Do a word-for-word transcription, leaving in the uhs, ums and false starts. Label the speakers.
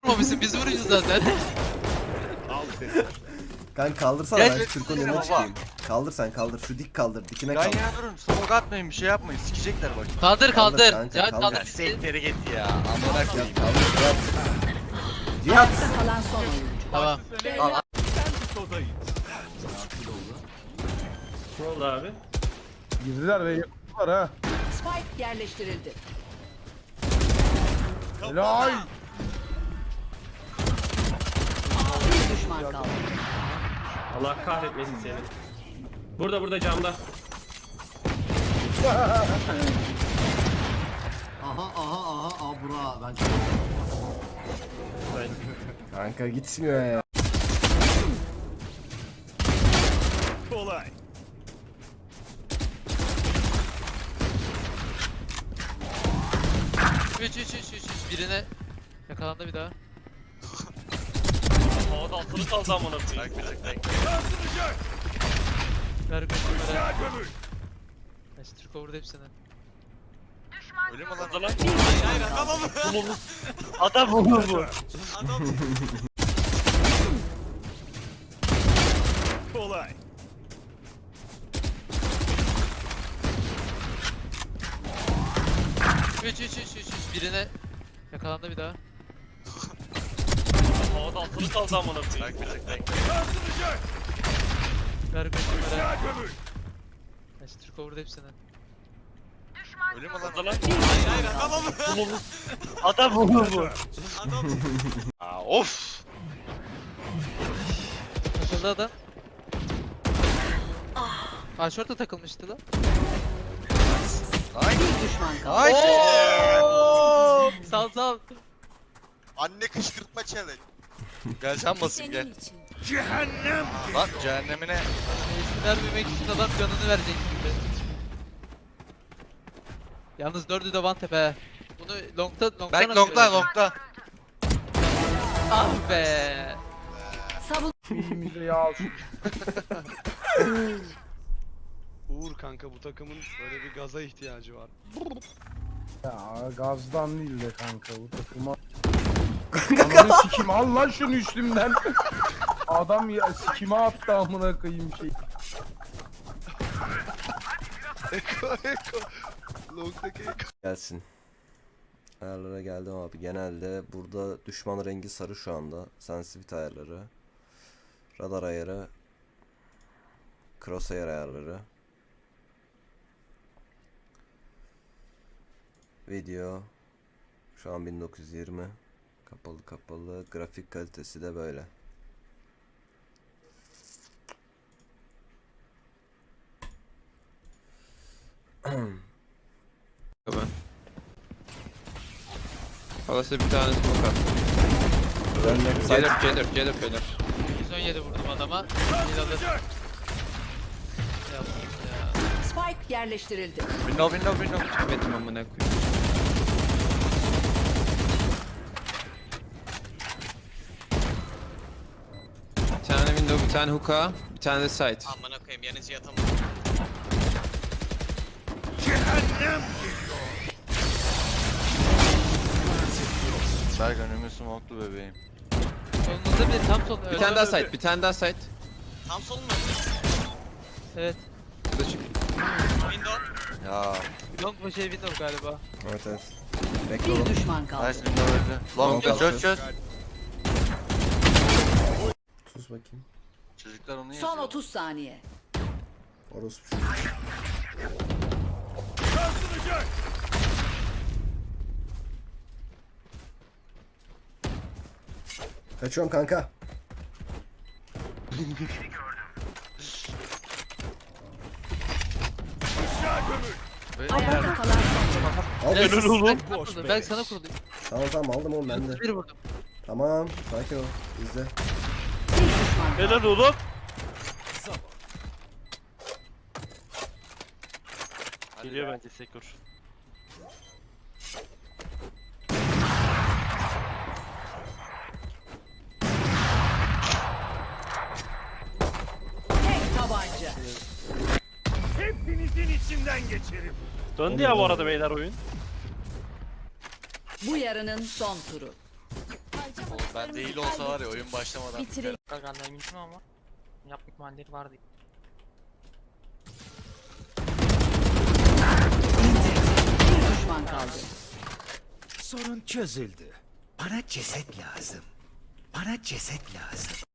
Speaker 1: Vurmamışsın, biz vuracağız zaten.
Speaker 2: Kanka kaldırsana
Speaker 1: Gel,
Speaker 2: ben Türk'ün önüne
Speaker 3: baba.
Speaker 2: çıkayım. Kaldır sen kaldır şu dik kaldır dikine
Speaker 3: Yan
Speaker 2: kaldır.
Speaker 3: yana durun. Smoke atmayın, bir şey yapmayın. Sikecekler bak.
Speaker 1: Kaldır
Speaker 2: Kaldır
Speaker 1: kaldır.
Speaker 2: kanka,
Speaker 1: Ya
Speaker 2: kaldır.
Speaker 1: kaldır.
Speaker 3: Sektere git ya. Amına koyayım.
Speaker 2: Kaldır Cihat. Cihat.
Speaker 4: Kalan son oyuncu.
Speaker 1: Tamam.
Speaker 5: Ne oldu abi?
Speaker 6: Girdiler ve yaptılar ha.
Speaker 4: Spike yerleştirildi.
Speaker 6: Helal.
Speaker 4: Bir düşman kaldı.
Speaker 5: Allah kahretmesin seni. Burada burada camda.
Speaker 7: Aha aha aha abra ben çok
Speaker 2: Kanka gitmiyor ya.
Speaker 1: üç üç üç üç üç birine yakalandı bir daha.
Speaker 5: Havada altını kaldı amına koyayım.
Speaker 1: Ver götürmere. Kaç Türk vurdu hepsini.
Speaker 3: Öyle mi lan?
Speaker 5: Orada lan.
Speaker 3: Hayır adamım.
Speaker 5: Adam bu bu.
Speaker 3: Adam.
Speaker 1: üç üç üç üç üç birine yakalandı bir daha.
Speaker 5: Havada altını kaldı amına koyayım.
Speaker 1: Ver götürmere. Kaç Türk vurdu hepsini.
Speaker 3: Öyle mi lan?
Speaker 5: Orada lan.
Speaker 3: Hayır adamım.
Speaker 5: Adam bu bu.
Speaker 3: Adam. Aa of.
Speaker 1: Takıldı adam. Aa şorta takılmıştı lan.
Speaker 3: Ay.
Speaker 4: Bir düşman kaldı.
Speaker 3: Ay.
Speaker 1: Sal sal.
Speaker 3: Anne kışkırtma challenge. Gel sen basayım gel. Cehennem. Lan cehennemine.
Speaker 1: Eski vermemek için adam canını verecek gibi. Yalnız dördü de one tap he. Bunu longta longta
Speaker 3: Berk longla longla.
Speaker 1: Ah be.
Speaker 4: Savun.
Speaker 6: Elimize yağ al.
Speaker 8: Uğur kanka bu takımın böyle bir gaza ihtiyacı var.
Speaker 6: Ya gazdan değil de kanka bu takıma. Ananı sikim al lan şunu üstümden. Adam ya sikime attı amına koyayım şey.
Speaker 8: Eko eko. Long'daki eko.
Speaker 2: Gelsin. Ayarlara geldim abi. Genelde burada düşman rengi sarı şu anda. Sensitivity ayarları. Radar ayarı. Crosshair ayarları. Video. Şu an bin dokuz yüz yirmi. Kapalı kapalı. Grafik kalitesi de böyle.
Speaker 9: Palasa bir tane smoke at. Gelir gelir gelir gelir.
Speaker 1: yüz on yedi vurdum adama. Bir alır. Ya, ya.
Speaker 4: Spike yerleştirildi.
Speaker 3: Window window window.
Speaker 9: Metim amına koyayım. Bir tane window, bir tane hookah, bir tane de site.
Speaker 3: Amına koyayım yanıcı yatamam. Berk önümü smoklu bebeğim.
Speaker 1: Solunuzda bir tam sol.
Speaker 9: Bir tane daha site, bir tane daha site.
Speaker 3: Tam sol mu?
Speaker 1: Evet.
Speaker 9: Bu da çık.
Speaker 3: Window. Ya.
Speaker 1: Long mu şey window galiba.
Speaker 2: Evet evet. Bekle oğlum.
Speaker 4: Bir düşman kaldı.
Speaker 3: Nice window öldü. Long
Speaker 2: Long
Speaker 3: çöz çöz.
Speaker 2: Sus bakayım.
Speaker 3: Çocuklar onu yazıyor.
Speaker 4: Son otuz saniye.
Speaker 2: Orospu. Kaçıyorum kanka.
Speaker 4: Ayakta kalan son oyuncu.
Speaker 2: Al.
Speaker 1: Evet, ben, boş ben sana kurulayım.
Speaker 2: Tamam tamam aldım oğlum ben de.
Speaker 1: Bir vurdum.
Speaker 2: Tamam sakin ol. İzle.
Speaker 4: Bir düşman kaldı.
Speaker 5: Helal oğlum. Geliyor bence Sekur.
Speaker 4: Tek tabanca.
Speaker 8: Hepinizin içinden geçerim.
Speaker 5: Döndü ya bu arada beyler oyun.
Speaker 4: Bu yarının son turu.
Speaker 3: Ben değil olsa var ya oyun başlamadan.
Speaker 4: Bitirelim.
Speaker 5: Kanka eminim ama yapma ihtimalleri vardı.
Speaker 4: Bir düşman kaldı.
Speaker 1: Sorun çözüldü. Bana ceset lazım. Bana ceset lazım.